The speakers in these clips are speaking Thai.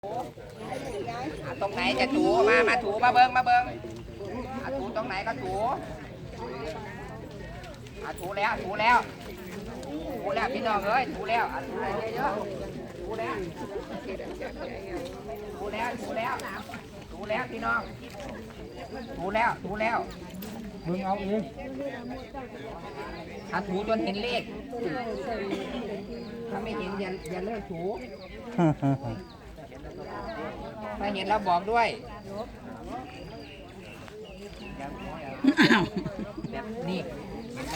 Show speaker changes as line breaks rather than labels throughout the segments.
ตรงไหนจะถูมาถูมาเบิ้งถูตรงไหนก็ถูถูแล้วพี่น้องเอ้ยถูแล้วถูเยอะๆถูแล้วพี่น้องถูแล้วมึงเอาเองถูจนเห็นเลขถ้าไม่เห็นอย่าเลิกถูถ้าเห็นเราบอกด้วยนี่เห็นไหม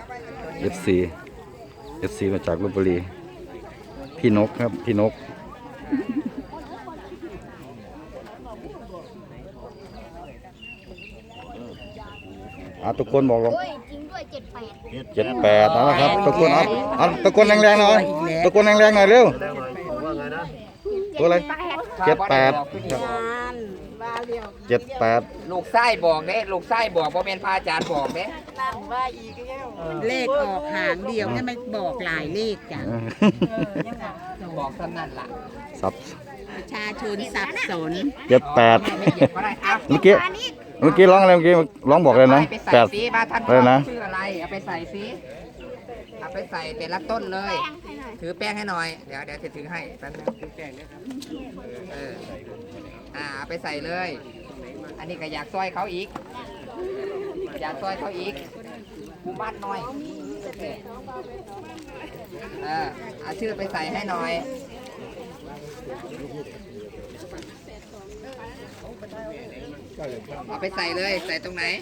FC มาจากลพบุรีพี่นกครับพี่นกทุกคนบอกว่า
จริงด้วย
78นะครับทุกคนตะโกนแรงๆหน่อยตะโกนแรงๆหน่อยเร็วตัวอะไร78
ลูกไส้บอกเด้ลูกไส้บอกว่าเป็นพระอาจารย์บอกเด้
เลขออกหางเดียวเนี่ยไม่บอกหลายเลขจ้ะ
บอกสนั่นล่ะ
สับ
ประชาชนสับสน
78
ไม่เหยียบก็ได้ครับ
เมื่อกี้ร้องอะไรเมื่อกี้ร้องบอกเลยนะ
ไปใส่
8
ซีมาท่าน
อะไรนะ
ชื่ออะไรเอาไปใส่ซีเอาไปใส่แต่ละต้นเลย ถือแป้งให้หน่อยเดี๋ยวจะถือให้แป๊บนึงถือแป้งนะครับเอาไปใส่เลย อันนี้ก็อยากซอยเขาอีกผู้บ้านหน่อยเอาชื่อไปใส่ให้หน่อยเอาไปใส่เลยใส่ตรงไหน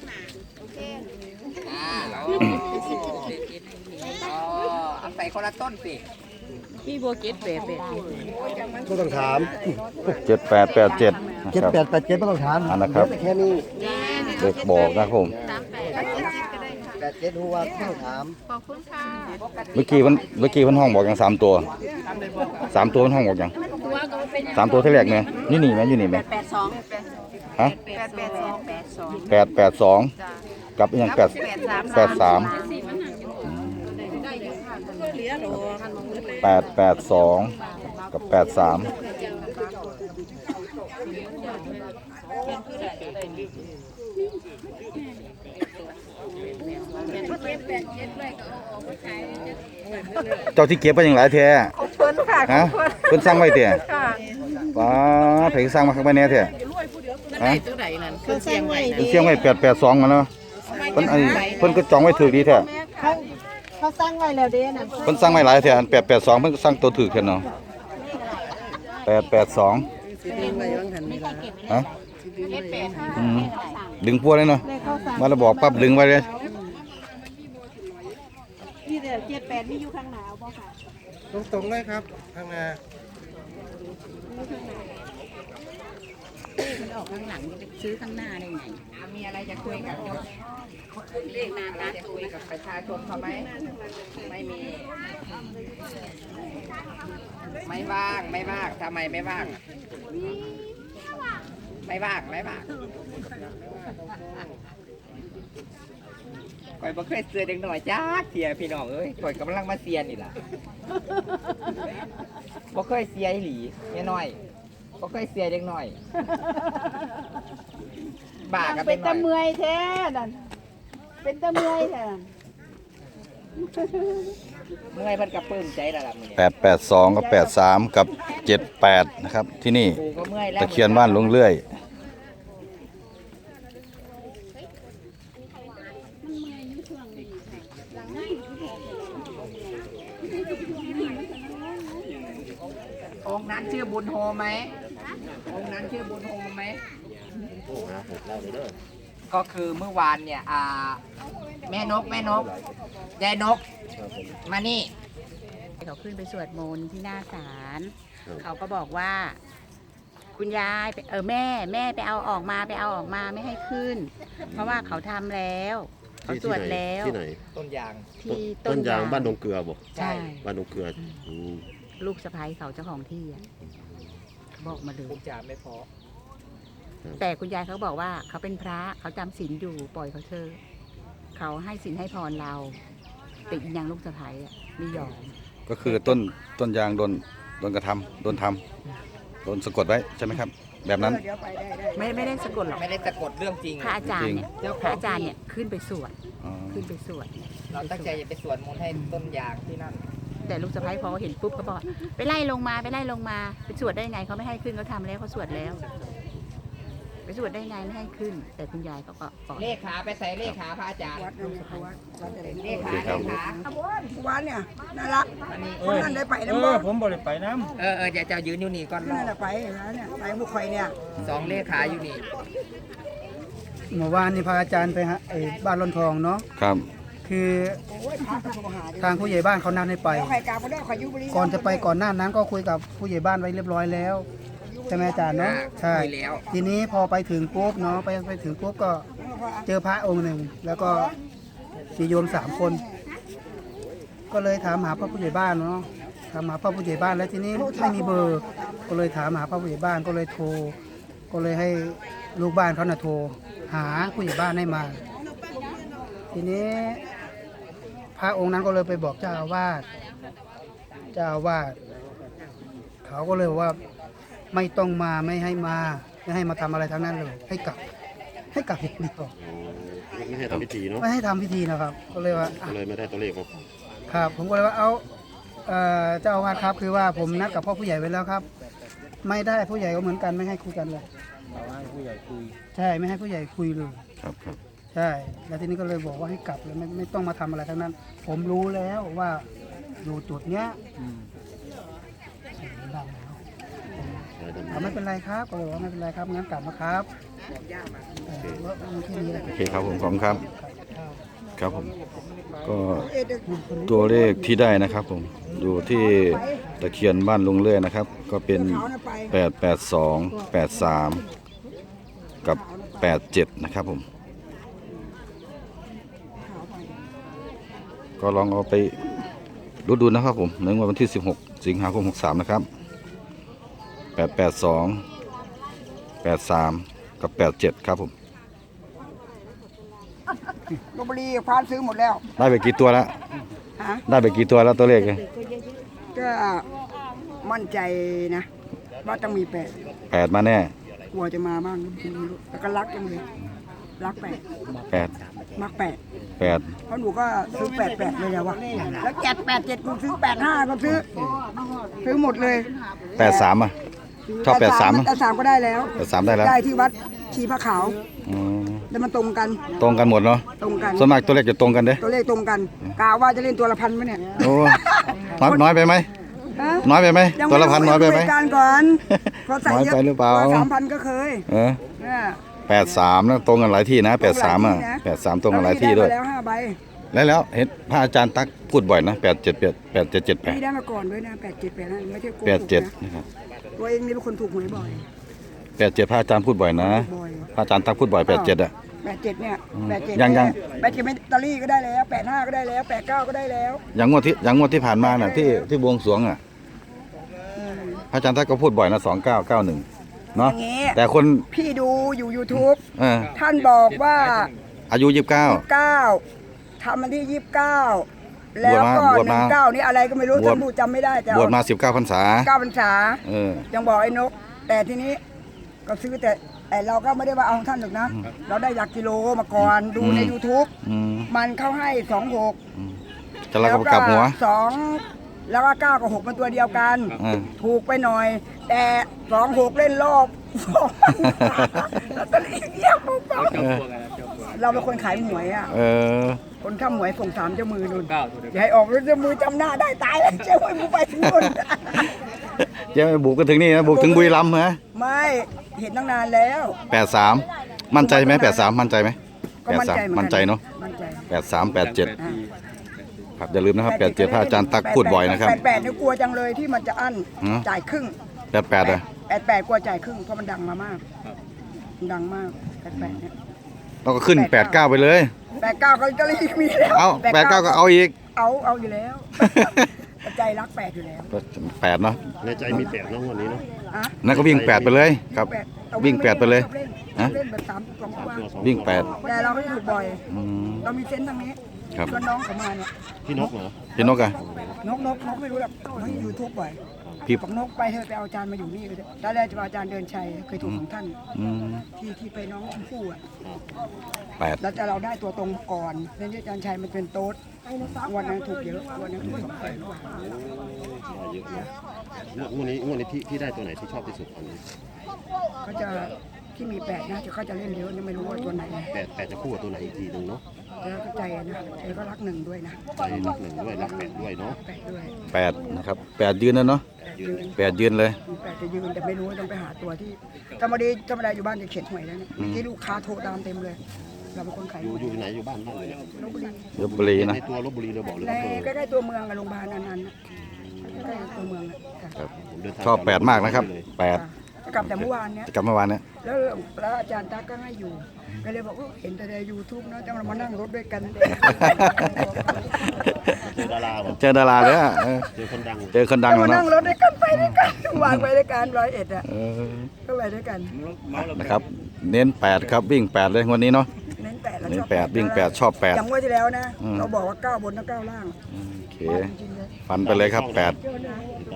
เอาใส่คนละต้นสิ
พี่บัวเก็ตแบบ
ก็ต้องถาม
7887นะครับ
7887ไม่ต้องถาม
อันนะครับ
แค่นี้
เด็กบอกนะครับผม
87รู้ว่าไม่ต้องถาม
เมื่อกี้มันห้องบอกอย่าง3 ตัว3 ตัวมันห้องบอกอย่าง3 ตัวที่แรกเนี่ยนี่ไหมอยู่นี่ไหมฮะ882กับอย่าง83 กับ83เจ้าที่เก็บไปอย่างไรแท้ฮะเพิ่นสร้างไว้เตี้ยป้าไผสร้างมาข้างในแน่แท้ฮะ
ตัวไหนนั่นคือเสียงไว้
เสียงไว้882มาเนาะเพิ่นก็จองไว้ถูกดีแท้
เขาสร้างไว้แล้วเด้นะ
เพิ่นสร้างไว้หลายแท้อัน882เพิ่นสร้างตัวถูกแท้เนาะ882ฮะดึงพวกเลยเนาะมาแล้วบอกปั๊บดึงไว้เลย
ที่เดียว78นี่อยู่ข้างหนาวบ่ค่ะ
ตรงๆเลยครับข้างหน้า
มันออกข้างหลังจะซื้อข้างหน้าได้ไง
มีอะไรจะคุยกับเลขนาการจะคุยกับประชาชนเขาไหมไม่มีไม่ว่างทำไมไม่ว่างไม่ว่างข่อยบ่เคยเสือเด็กหน่อยจ้าเสียพี่น้องเอ้ยข่อยกำลังมาเสียนี่ล่ะบ่เคยเสียอีหลีแม่น้อยบ่เคยเสียเด็กหน่อยบ้าก็เป็นหน่อย
เมื่อยแท้นั่นเป็นตะเมื่อยแท้
เมื่อยเพิ่นก็ปลื้มใจแล้วล่ะมื้อนี้
882กับ83กับ78นะครับที่นี่
กูก็เมื่อยแล้ว
ตะเคียนบ้านลุงเลื่อย
องค์นั้นชื่อบุญโฮมไหมองค์นั้นชื่อบุญโฮมไหมก็คือเมื่อวานเนี่ยแม่นกยายนกมานี่
เขาขึ้นไปสวดมนต์ที่หน้าศาลเขาก็บอกว่า คุณยายแม่ไปเอาออกมาไม่ให้ขึ้น เพราะว่าเขาทำแล้วเขาสวดแล้ว
ที่ไหน
ต้นยาง
ที่
ต้นยางบ้านดงเกลือบ่
ใช่
บ้านดงเกลือ
ลูกสะใภ้เขาเจ้าของที่อะบอกมาเลย
คุณจ่าไม่พอ
แต่คุณยายเขาบอกว่าเขาเป็นพระเขาจำศีลอยู่ปล่อยเขาเถอะเขาให้ศีลให้พรเราแต่อีกอย่างลูกสะใภ้อะไม่ยอม
ก็คือต้นยางโดนกระทำโดนทำโดนสะกดไว้ใช่ไหมครับ แบบนั้น
ไม่ได้สะกดหรอก
ไม่ได้สะกดเรื่องจริง
พระอาจารย์เนี่ยพระอาจารย์เนี่ยขึ้นไปสวด
อ๋อ
ขึ้นไปสวด
เราตั้งใจจะไปสวดมนต์ให้ต้นยางที่นั่น
แต่ลูกสะใภ้พอเห็นปุ๊บเขาบอกไปไล่ลงมาไปสวดได้ไงเขาไม่ให้ขึ้นเขาทำแล้วเขาสวดแล้ว ไปสวดได้ไงไม่ให้ขึ้น แต่คุณยายเขาก็ปล่อย
เลขขาไปใส่เลขขาพระอาจารย์เลขขาเลขขา
วันเนี่ยน่ารัก
อันนี้
คนนั้นได้ไปแล้วบ่
ผมบ่ได้ไปน้
จะจะยืนอยู่นี่ก่อน
นั่นน่ะไปแล้วเนี่ยไปบุกไข่เนี่ย
2เลขขาอยู่นี่
ำเมื่อวานนี่พาอาจารย์ไปฮะบ้านร่อนทองเนาะ
ครับ
คือทางผู้ใหญ่บ้านเขานัดให้ไป
ไข่กาบ่ได้ไข่ยุบลี
ก่อนจะไปก่อนหน้านั้นก็คุยกับผู้ใหญ่บ้านไว้เรียบร้อยแล้วใช่ไหมอาจารย์เนาะใช่
คุยแล้ว
ทีนี้พอไปถึงปุ๊บเนาะไปถึงปุ๊บก็เจอพระองค์หนึ่ง แล้วก็มีโยม3 คน ก็เลยถามหาพระผู้ใหญ่บ้านเนาะถามหาพระผู้ใหญ่บ้านแล้วทีนี้ไม่มีเบอร์ ก็เลยถามหาพระผู้ใหญ่บ้านก็เลยโทร ก็เลยให้ลูกบ้านเขาน่ะโทร หาผู้ใหญ่บ้านให้มา ทีนี้พระองค์นั้นก็เลยไปบอกเจ้าอาวาสเขาก็เลยบอกว่าไม่ต้องมาไม่ให้มาทำอะไรทั้งนั้นเลย ให้กลับอย่างเดียว
ไม่ให้ทำพิธีเนาะ
ไม่ให้ทำพิธีนะครับ ก็เลยว่าอ่ะ
ก็เลยไม่ได้ตัวเลขครับ
ครับ ผมก็เลยว่าเอาเจ้าอาวาสครับคือว่าผมนัดกับพ่อผู้ใหญ่ไว้แล้วครับ ไม่ได้ผู้ใหญ่ก็เหมือนกันไม่ให้คุยกันเลยให้ผู้ใหญ่คุยใช่ไม่ให้ผู้ใหญ่คุยเลย
ครับครับ
ใช่แล้วทีนี้ก็เลยบอกว่าให้กลับเลยไม่ต้องมาทำอะไรทั้งนั้น ผมรู้แล้วว่าอยู่จุดเนี้ยเสียงดังแล้วไม่เป็นไรครับก็เลยบอกว่าไม่เป็นไรครับงั้นกลับมาครับว่ามีแค่นี้แหละ
โอเคครับผมขอบคุณครับ ครับผม ก็ตัวเลขที่ได้นะครับผมอยู่ที่ตะเคียนบ้านลุงเลื่อยนะครับ ก็เป็น 882 83 กับ 87 นะครับผม ก็ลองเอาไปรุดดูนะครับผมในวันที่ 16 สิงหาคม 63 นะครับ 882 83 กับ 87 ครับผม
ลพบุรีพานซื้อหมดแล้ว
ได้ไปกี่ตัวแล้ว
ฮะ
ได้ไปกี่ตัวแล้วตัวเลขเนี่ย
ก็มั่นใจนะว่าต้องมี
8มาแน่
กลัวจะมาบ้างไม่รู้แล้วก็รักจังเลยรัก
8
มัก
8
เพราะหนูก็ซื้อ88เลยอะวะแล้ว787กูซื้อ85ก็ซื้อหมดเลย
83อ่ะชอบ83อ่ะ
83ก็ได้แล้ว
83ได้แล้ว
ได้ที่วัดชีพระขาว
อืม
แล้วมันตรงกัน
ตรงกันหมดเนาะ
ตรงกัน
ส่วนมากตัวเลขจะตรงกันเด้
ตัวเลขตรงกันกาว่าจะเล่นตัวละพันไหมเนี่ย
โอ้น้อยไปไหม
ฮะ
น้อยไปไหม
ยัง
ตัวละพันน้อยไปไหม
คุกันก่อนพอใส่เยอะ
น้อยไปหรือเปล่า
ตัว3,000ก็เคย
เออ
เนี่ย
83นะตรงกันหลายที่นะ83อ่ะ83ตรงกันหลายที่ด้วย
แล้5ใบ
แล้วเห็นพระอาจารย์ตักพูดบ่อยนะ87
พี่ได้มาก่อนด้วยนะ87ไม่ใช่โกหกนะ
87นะครับ
ตัวเองนี่เป็นคนถูกหวยบ่อย
87พระอาจารย์พูดบ่อยนะ
บ่อย
พระอาจารย์ตักพูดบ่อย87อ่ะ
87เนี่ย87
ยัง
87ไม่ตอรี่ก็ได้แล้ว85ก็ได้แล้ว89ก็ได้แล้ว
อย่างงวดที่ผ่านมาน่ะที่บวงสรวงอ่ะพระอาจารย์ตักก็พูดบ่อยนะ2991เนาะ
อย่างงี้
แต่คน
พี่ดูอยู่ YouTube
เออ
ท่านบอกว่า
อายุ29
9ทำมันที่29แล้วก็
บวชมา
19นี่อะไรก็ไม่รู้
บวช
ท่านพูดจำไม่ได้แต่
บวชมา19พรรษา
9พรรษา
เออ
ยังบอกไอ้นก แต่ทีนี้ก็ซื้อแต่เราก็ไม่ได้ว่าเอาของท่านหรอกนะ เราได้หลักกิโลมาก่อนดูใน YouTube
อืม
มันเข้าให้26
จะแล้วก็กลับหัว
2แล้วก็9กับ6มันตัวเดียวกัน
เออ
ถูกไปหน่อย แต่26เล่นรอบลอตเตอรี่เยี่ยมปุ๊บเราเป็นคนขายหวยอ่ะ
เออ
คนข้ามหวยส่ง3เจ้ามือนู่นอย่าให้ออกแล้วเจ้ามือจำหน้าได้ตายแล้วเจ้ามือมึงไปถึงนู่น
เจ๊บุกกันถึงนี่นะบุกถึงบุรีรัมย์ฮะ
ไม่เห็นตั้งนานแล้ว
83มั่นใจไหม83มั่นใจไหม
ก็มั่นใจเหมือนกัน
มั่นใจเนาะ
มั่นใจ
83 87ครับอย่าลืมนะครับ87พระอาจารย์ตักพูดบ่อยนะครับ
88เนี่ยกลัวจังเลยที่มันจะอั้น
หือ
จ่ายครึ่ง
88อ่ะ
88กลัวจ่ายครึ่งเพราะมันดังมามากมันดังมาก88เนี่ย
เราก็ขึ้น89ไปเลย
89เขาจะรีบมีแล้ว
เอา89ก็เอาอีก
เอาอยู่แล้ว ใจรัก8อยู่แล้ว
8เนาะ
ในใจมี8เนาะวันนี้เนาะ
อะ
นั่นก็วิ่ง8ไปเลยครับ
เอา
วิ่ง8ไปเลย
ชอบเล่น
ฮะ
เล่นแบบ3 2
3 ตัว
ตัว
2
วิ่ง
แต่เราไม่ถูกบ่อย
อืม
เรามีเซนส์ทางนี้
ครับ
ชวนน้องเขามาเนี่ย
พี่นกเหรอ
พี่นกอะ
นกไม่รู้หรอกน้องยูทูบบ่อย
พี่
บอกนกไปเถอะไปเอาอาจารย์มาอยู่นี่เลยตอนแรกจะเอาอาจารย์เดินชัยเคยถูกของท่าน
อืม
ที่ไปน้องชมพู่อ่ะ
8
แล้วแต่เราได้ตัวตรงก่อนแล้วอาจารย์ชัยมันเป็นโต๊ดวันนั้นถูกเยอะวันนั้นถูก200,000
เยอะนะงวดนี้ที่ได้ตัวไหนที่ชอบที่สุดตอนนี้
ก็จะที่มี8นะเขาจะเล่นเยอะยังไม่รู้ว่าตัวไหน
แปดจะคู่กับตัวไหนอีกทีหนึ่งเนาะ
แล้วก็ใจนะใจก็รัก1ด้วยนะ
ใจรัก1ด้วยรัก8ด้วยเนาะ
8ด้วย
8นะครับ8ยืนแล้วเนาะ
ยืน
8ยืนเลย
8จะยืนแต่ไม่รู้ต้องไปหาตัวที่ธรรมดาอยู่บ้านจะเขียนหวยแล้วเนี่ยที่ลูกค้าโทรตามเต็มเลย เราเป็นคนขาย
อยู่ไหนอยู่บ้านเลยเนี่ย
ลพบุรี
ลพบุรีนะ
ในตัวลบบุรีเราบอกเลย
ใน
ว่า
ใกล้ๆตัวเมืองกับโรงพยาบาลนั้นๆใกล้ๆตัวเมืองอะค่ะ
ครับ
ผมเดินทาง
ชอบ8มากนะครับ
กลับแต่เมื่อวานเนี้ย
8กลับเมื่อวานเนี่ย
แล้วอาจารย์ตั๊กก็ให้อยู่ก็เลยบอกว่าเห็นแต่ใน YouTube นะจะมานั่งรถด้วยกัน
เจอดาราแบบ
เจอดาราเลยอะ
เจอคนดัง
เจอคนดัง
จะ
แล้ว
มา
เนาะ
นั่งรถด้วยกันไปด้วยกันวางไปด้วยกัน101อ่ะ
เออ
ก็ไปด้วยกัน
นะครับ เน้น8ครับวิ่ง8เลยงวันนี้เนาะ
เน้น8แล้ว
เน้
ช
น
อบ
8วิ่ง8ชอบ
อย่างงวดที่แล้วนะ
อืม
เราบอกว่า9บนและ9ล่าง
8โอเค
จริงๆเลย
ฟันไปเลยครับ8